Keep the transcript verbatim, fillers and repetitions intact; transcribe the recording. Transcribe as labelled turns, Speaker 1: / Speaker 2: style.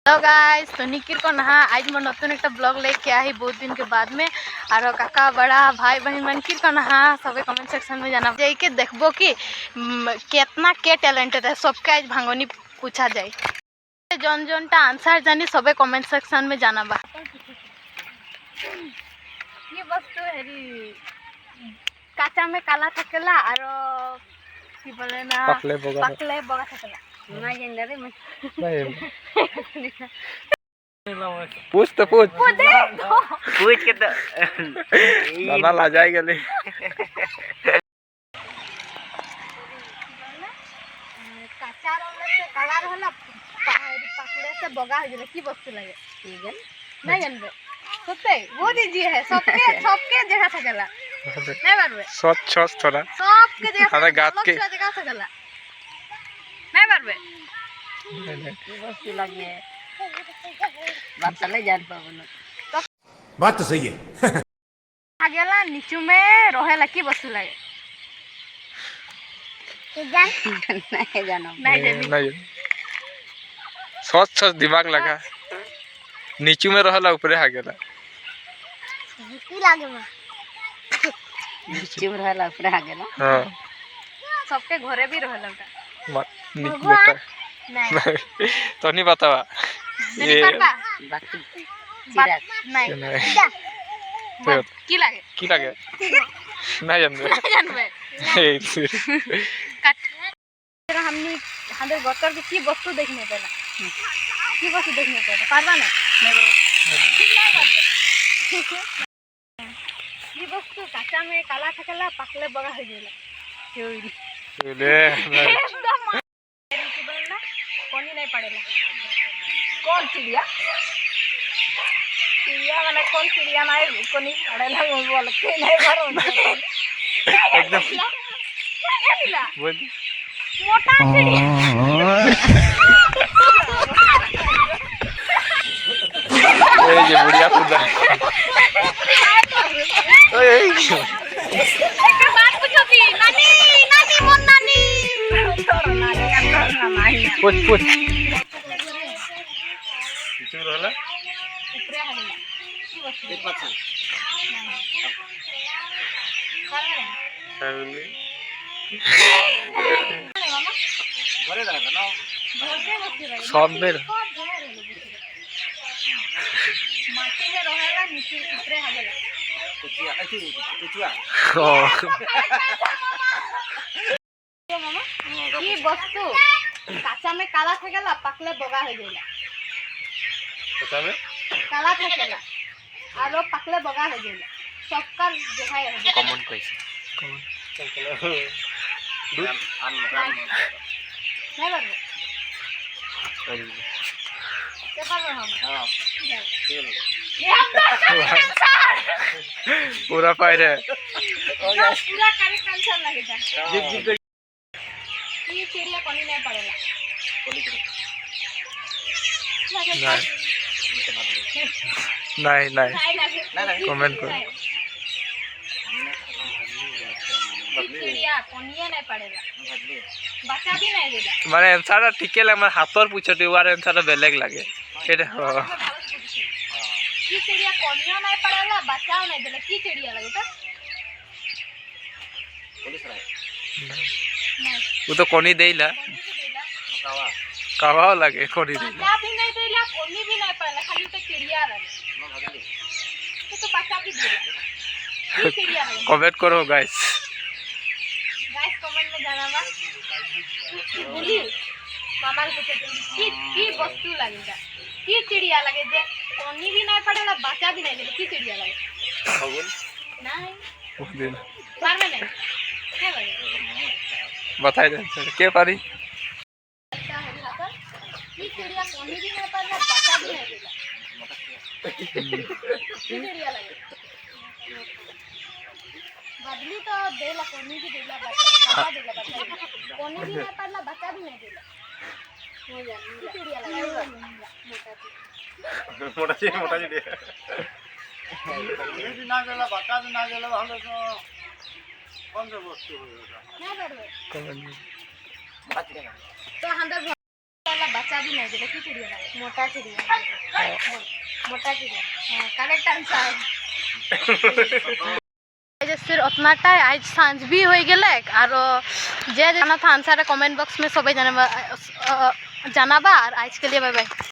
Speaker 1: Hello guys, तो निकिर को नहा आज मैं नतून एक ब्लॉग लेके आई बहुत दिन के बाद में। और काका बड़ा भाई बहन मनकिर को नहा सबे कमेंट सेक्शन में जाना जाए के देखबो कि कितना के टैलेंटेड है सबके आज भांगनी पूछा जाए। जन जनटा आंसर जानी सबे कमेंट सेक्शन में जाना बा। ये वस्तु हेरी काचा में काला थकेला और की बोले ना
Speaker 2: पकले बगा
Speaker 1: पकले बगा थकेला नहीं जानले रे मैं
Speaker 2: पूछ तो पूछ
Speaker 1: पूछ
Speaker 3: पूछ के तो
Speaker 2: नाना ला जाए गले
Speaker 1: काचा रहले से काला रहला पकले से बगा हो गेले की वस्तु लगे नहीं जानबे सत्य बहुत इजी है सबके सबके जगह थकेला नहीं बारबे
Speaker 2: सच छस थोड़ा
Speaker 1: सबके जगह
Speaker 2: हमें गात के
Speaker 1: जगह थकेला नहीं बारबे
Speaker 3: वस्तु लगे बात तो नहीं जान पाबो
Speaker 4: बात तो सही है
Speaker 1: आगेला नीचू में रहेला की वस्तु लगे जान
Speaker 3: नहीं जानो
Speaker 1: नहीं जानी
Speaker 2: नहीं सच छस दिमाग लगा नीचू में रहला ऊपरे आ गेला
Speaker 1: की लागे में
Speaker 3: नीचे में रहला ऊपर आ गेला
Speaker 2: हां
Speaker 1: सबके घरे भी रहेला
Speaker 2: मत निक बता
Speaker 1: नहीं
Speaker 2: तो नहीं बतावा
Speaker 1: नहीं करबा
Speaker 3: बात
Speaker 1: बात नहीं
Speaker 2: तो
Speaker 1: की लागे
Speaker 2: की लगे नहीं जानबे
Speaker 1: नहीं जानबे
Speaker 2: ए
Speaker 1: काट तेरा हमनी हमारे गोतर के की वस्तु देखने पेला की वस्तु देखने पेला पारबा ना ये वस्तु काचा में काला थकेला पकले बगा हो गेला क्यों
Speaker 2: ले
Speaker 1: एकदम ना कोनी नहीं पड़ेला कौन चिड़िया चिड़िया माने कौन चिड़िया नहीं कोनी पड़ेला बोल के नहीं भरो
Speaker 2: एकदम बोल
Speaker 1: मोटा चिड़िया
Speaker 2: ए ये बुढ़िया खुदा ओए
Speaker 1: एक बात पूछो थी नानी नानी मोन नानी तोर नानी तोर नानी
Speaker 2: पूछ पूछ किचु रहला
Speaker 1: ऊपरे हगला की वस्तु
Speaker 3: एक बात
Speaker 2: सावली
Speaker 3: घरे रहला ना
Speaker 2: सब में
Speaker 1: माटी में रहेला नीचे ऊपरे हगला
Speaker 3: कुचिया अथी कुचिया
Speaker 2: ओ
Speaker 1: तो मामा की वस्तु काचा में काला थकेला पकले बगा हो गेला
Speaker 2: पता में
Speaker 1: काला थकेला और पकले बगा हो गेला सबका जगह है
Speaker 3: कॉमन कैसे
Speaker 2: कौन दूध
Speaker 3: आम
Speaker 1: नहीं बरबे के पर हम
Speaker 3: हां
Speaker 1: ये हम
Speaker 2: पूरा पाई रे
Speaker 1: पूरा करे कंसर लगेगा
Speaker 2: जिप जिप
Speaker 1: ये चिड़िया कोनी नहीं पड़ेला
Speaker 2: नहीं नहीं
Speaker 1: नहीं लगे
Speaker 3: नहीं नहीं
Speaker 2: कमेंट करो
Speaker 1: चिड़िया कोनिया नहीं पड़ेला बच्चा भी नहीं देला
Speaker 2: माने आंसर ठीक है लगे हाथर पूछते वार आंसर बेलेग लागे एटा हो
Speaker 1: की चिड़िया कोनिया नहीं पड़ेला बच्चा नहीं देला की चिड़िया लगे तो
Speaker 3: पुलिस रहा
Speaker 1: नहीं
Speaker 2: वो तो कोनी देला
Speaker 3: कावा
Speaker 2: कावा लगे कोनी देला
Speaker 1: बच्चा भी नहीं देला कोनी भी नहीं पड़ेला खाली तो चिड़िया लगे
Speaker 3: ना भागली
Speaker 1: तो तो बच्चा भी देला की चिड़िया लगे
Speaker 2: कमेंट करो गाइस
Speaker 1: गाइस कमेंट में जाना बा बोली मामा को पूछते की की वस्तु लगेगा की चिड़िया लगे जे कोनी भी नहीं पड़ेला बच्चा भी नहीं देला की चिड़िया लगे नहीं
Speaker 2: वो दिन
Speaker 1: बार में नहीं क्या लगे
Speaker 2: बताई दे आंसर के पारी
Speaker 1: अच्छा है खाता की चिड़िया कोनी भी नहीं पड़ेला बच्चा भी नहीं देला की चिड़िया लगे बदली तो देला कोनी भी देला बच्चा देला बच्चा कोनी भी नहीं पड़ेला बच्चा भी नहीं देला हो जा की चिड़िया लगे मोटा
Speaker 2: मोटा जी मोटा जी दे
Speaker 4: ये भी ना गेला बाटा भी ना गेला हम तो कौन सा वस्तु होगा
Speaker 1: नहीं बरबे
Speaker 2: कमेंट
Speaker 3: बात करेगा
Speaker 1: तो हम वाला बच्चा भी नहीं देला की चिड़िया लगे मोटा चिड़िया मोटा चिड़िया हाँ करेक्ट आंसर फिर उतनाटा आज सांझ भी हो गए और जे जाना था आंसर कमेंट बॉक्स में सब जाना जाना बा और आज के लिए बाय बाय।